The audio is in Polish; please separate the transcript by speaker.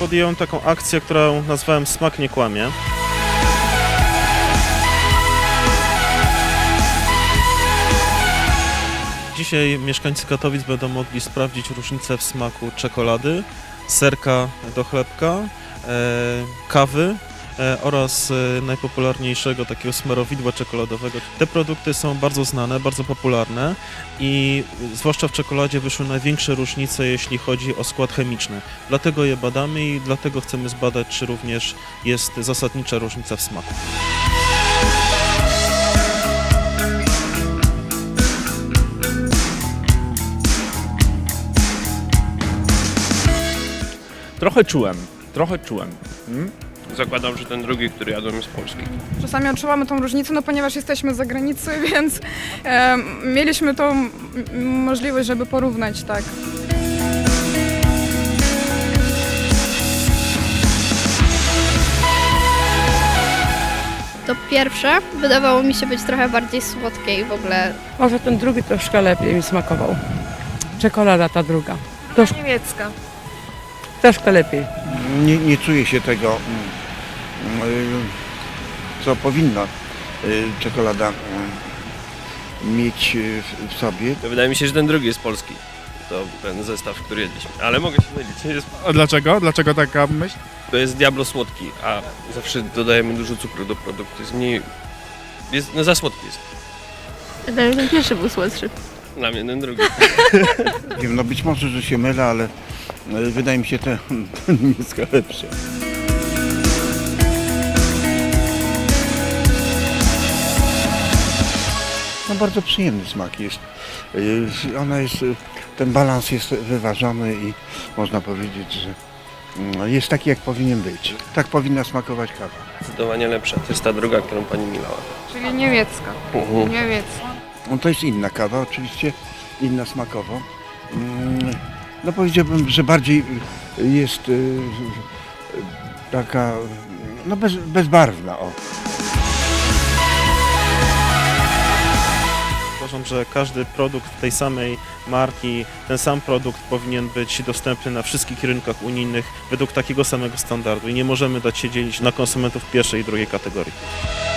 Speaker 1: podjąłem taką akcję, którą nazwałem Smak nie kłamie. Dzisiaj mieszkańcy Katowic będą mogli sprawdzić różnicę w smaku czekolady, serka do chlebka, kawy oraz najpopularniejszego takiego smarowidła czekoladowego. Te produkty są bardzo znane, bardzo popularne i zwłaszcza w czekoladzie wyszły największe różnice, jeśli chodzi o skład chemiczny. Dlatego je badamy i dlatego chcemy zbadać, czy również jest zasadnicza różnica w smaku.
Speaker 2: Trochę czułem.
Speaker 3: Zakładam, że ten drugi, który jadłem, jest polski.
Speaker 4: Czasami odczuwamy tą różnicę, no ponieważ jesteśmy z zagranicy, więc mieliśmy tą możliwość, żeby porównać, tak.
Speaker 5: To pierwsze wydawało mi się być trochę bardziej słodkie i w ogóle
Speaker 6: Może ten drugi troszkę lepiej mi smakował. Czekolada ta druga.
Speaker 4: Niemiecka.
Speaker 6: Troszkę lepiej.
Speaker 7: Nie czuję się tego, co powinna czekolada mieć w sobie.
Speaker 3: To wydaje mi się, że ten drugi jest polski. To ten zestaw, który jedliśmy. Ale mogę się mylić. Nie jest...
Speaker 2: A dlaczego? Dlaczego taka myśl?
Speaker 3: To jest diablo słodki, a zawsze dodajemy dużo cukru do produktu. Jest mniej... No za słodki jest.
Speaker 5: wydaje mi się, że ten pierwszy był słodszy.
Speaker 3: Dla mnie ten drugi.
Speaker 7: Nie wiem, no być może, że się mylę, ale wydaje mi się ten niemiecka lepsza. No bardzo przyjemny smak jest. Ten balans jest wyważony i można powiedzieć, że jest taki, jak powinien być. Tak powinna smakować kawa.
Speaker 3: Zdecydowanie lepsza. To jest ta druga, którą pani milała.
Speaker 4: Czyli niemiecka. Niemiecka.
Speaker 7: No to jest inna kawa, oczywiście, inna smakowo. No powiedziałbym, że bardziej jest taka, no bezbarwna. O.
Speaker 1: Uważam, że każdy produkt tej samej marki, ten sam produkt powinien być dostępny na wszystkich rynkach unijnych według takiego samego standardu i nie możemy dać się dzielić na konsumentów pierwszej i drugiej kategorii.